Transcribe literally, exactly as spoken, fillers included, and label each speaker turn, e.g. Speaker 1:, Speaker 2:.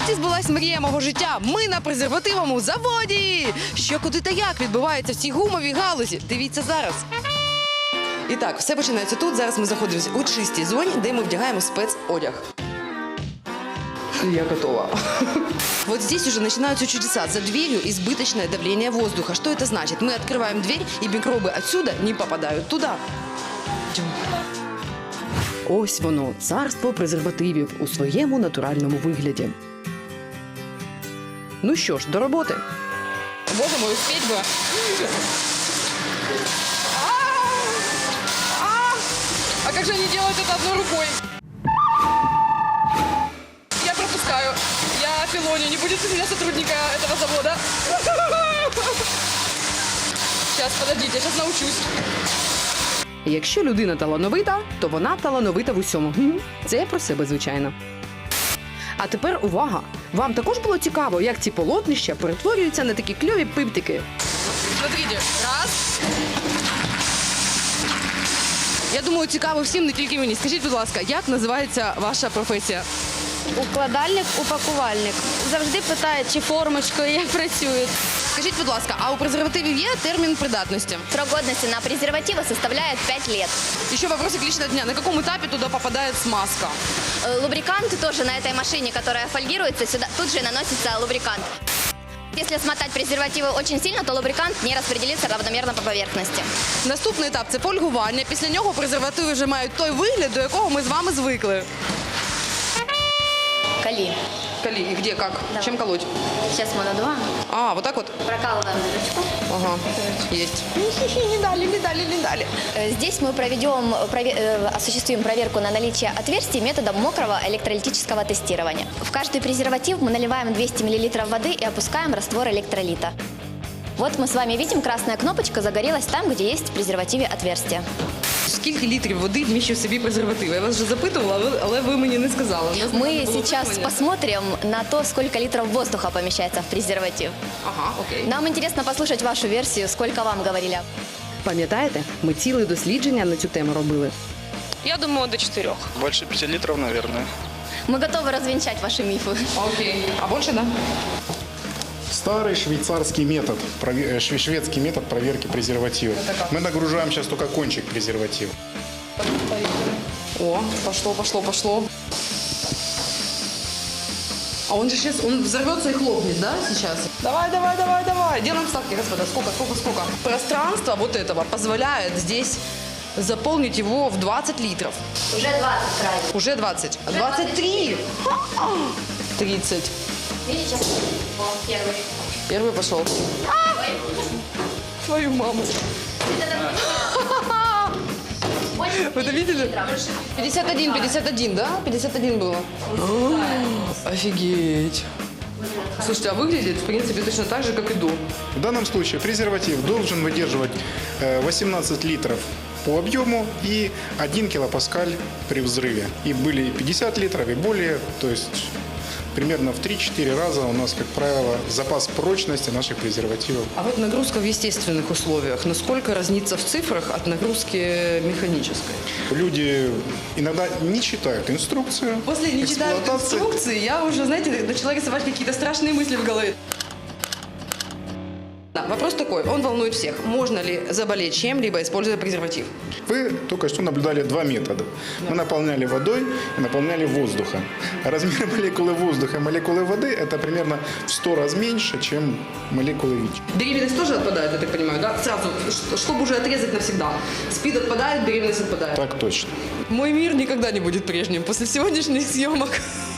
Speaker 1: Нарешті збулась мрія мого життя. Ми на презервативному заводі. Що, куди та як відбувається в цій гумовій галузі? Дивіться зараз. І так, все починається тут. Зараз ми знаходимося у чистій зоні, де ми вдягаємо спецодяг. Я готова. Вот здесь уже начинаются чудеса. За дверью избыточное давление воздуха. Что это значит? Мы открываем дверь, и микробы отсюда не попадают туда. Идем. Ось воно, царство презервативів у своєму натуральному вигляді. Ну що ж, до роботи. Боже мой, успеть бы. А как же они делают это одной рукой? Я пропускаю. Я пилоню. Не будет из меня сотрудника этого завода. Сейчас, подождите, я сейчас научусь. Якщо людина талановита, то вона талановита в усьому. Це я про себе, звичайно. А тепер увага! Вам також було цікаво, як ці полотнища перетворюються на такі кльові пиптики? Смотрите, раз. Я думаю, цікаво всім, не тільки мені. Скажіть, будь ласка, як називається ваша професія?
Speaker 2: Укладальник, упакувальник. Завжди питають, чи формочкою як працюють.
Speaker 1: Скажіть, будь ласка, а у презервативів є термін придатності?
Speaker 3: Срок годности на презервативы составляет пять лет.
Speaker 1: Еще вопросик личного дня. На каком этапе туда попадает смазка?
Speaker 3: Э, Лубрикант тоже на этой машине, которая фольгируется, сюда тут же наносится лубрикант. Если смотать презервативы очень сильно, то лубрикант не распределится равномерно по поверхности.
Speaker 1: Наступний етап – це фольгування. Після нього презервативи вже мають той вигляд, до якого ми з вами звикли.
Speaker 3: Кали.
Speaker 1: Кали, и где, как?
Speaker 3: Давай.
Speaker 1: Чем колоть?
Speaker 3: Сейчас мы надуваем,
Speaker 1: А, вот так вот?
Speaker 3: прокалываем дырочку.
Speaker 1: Ага, есть. Не дали, не дали, не дали.
Speaker 3: Э, Здесь мы проведем, прове- э, осуществим проверку на наличие отверстий методом мокрого электролитического тестирования. В каждый презерватив мы наливаем двести миллилитров воды и опускаем раствор электролита. Вот мы с вами видим, красная кнопочка загорелась там, где есть в презервативе отверстие.
Speaker 1: Скільки літрів води вміщує в собі презерватив? Я вас вже запитувала, але- але ви мені не сказали. У нас не
Speaker 3: Мы
Speaker 1: було
Speaker 3: сейчас
Speaker 1: запитування.
Speaker 3: посмотрим на то, сколько литров воздуха помещается в презерватив.
Speaker 1: Ага, окей.
Speaker 3: Нам интересно послушать вашу версию, сколько вам говорили.
Speaker 1: Пам'ятаєте, ми ціле дослідження на цю тему робили.
Speaker 4: Я думаю, до четырех.
Speaker 5: Больше пяти литров, наверное.
Speaker 3: Мы готовы развенчать ваши мифы.
Speaker 1: Окей. А більше, да?
Speaker 6: Старый швейцарский метод, прове- э, шве- шведский метод проверки презерватива. Мы нагружаем сейчас только кончик презерватива.
Speaker 1: О, пошло, пошло, пошло. А он же сейчас, он взорвется и хлопнет, да, сейчас? Давай, давай, давай, давай. Делаем ставки, господа. Сколько, сколько, сколько? Пространство вот этого позволяет здесь заполнить его в двадцать литров.
Speaker 3: Уже двадцать крайне.
Speaker 1: Уже двадцать. двадцать три. тридцать.
Speaker 3: Видите? О, первый.
Speaker 1: Первый пошел. Твою маму. Вы это видели? пятьдесят один, пятьдесят один, да? пятьдесят один было. Офигеть. Слушайте, а выглядит, в принципе, точно так же, как и до.
Speaker 6: В данном случае презерватив должен выдерживать э, восемнадцать литров по объему и один килопаскаль при взрыве. И были и пятьдесят литров, и более, то есть примерно в три-четыре раза у нас, как правило, запас прочности наших презервативов.
Speaker 1: А вот нагрузка в естественных условиях, насколько разнится в цифрах от нагрузки механической?
Speaker 6: Люди иногда не читают инструкцию.
Speaker 1: После не читают
Speaker 6: эксплуатации.
Speaker 1: инструкции, я уже, знаете, начала рисовать какие-то страшные мысли в голове. Да, вопрос такой, он волнует всех. Можно ли заболеть чем-либо, используя презерватив?
Speaker 6: Вы только что наблюдали два метода. Мы наполняли водой и наполняли воздухом. Размер молекулы воздуха и молекулы воды – это примерно в сто раз меньше, чем молекулы ВИЧ.
Speaker 1: Беременность тоже отпадает, я так понимаю, да? Сразу, ш- чтобы уже отрезать навсегда. СПИД отпадает, беременность отпадает.
Speaker 6: Так точно.
Speaker 1: Мой мир никогда не будет прежним после сегодняшних съемок.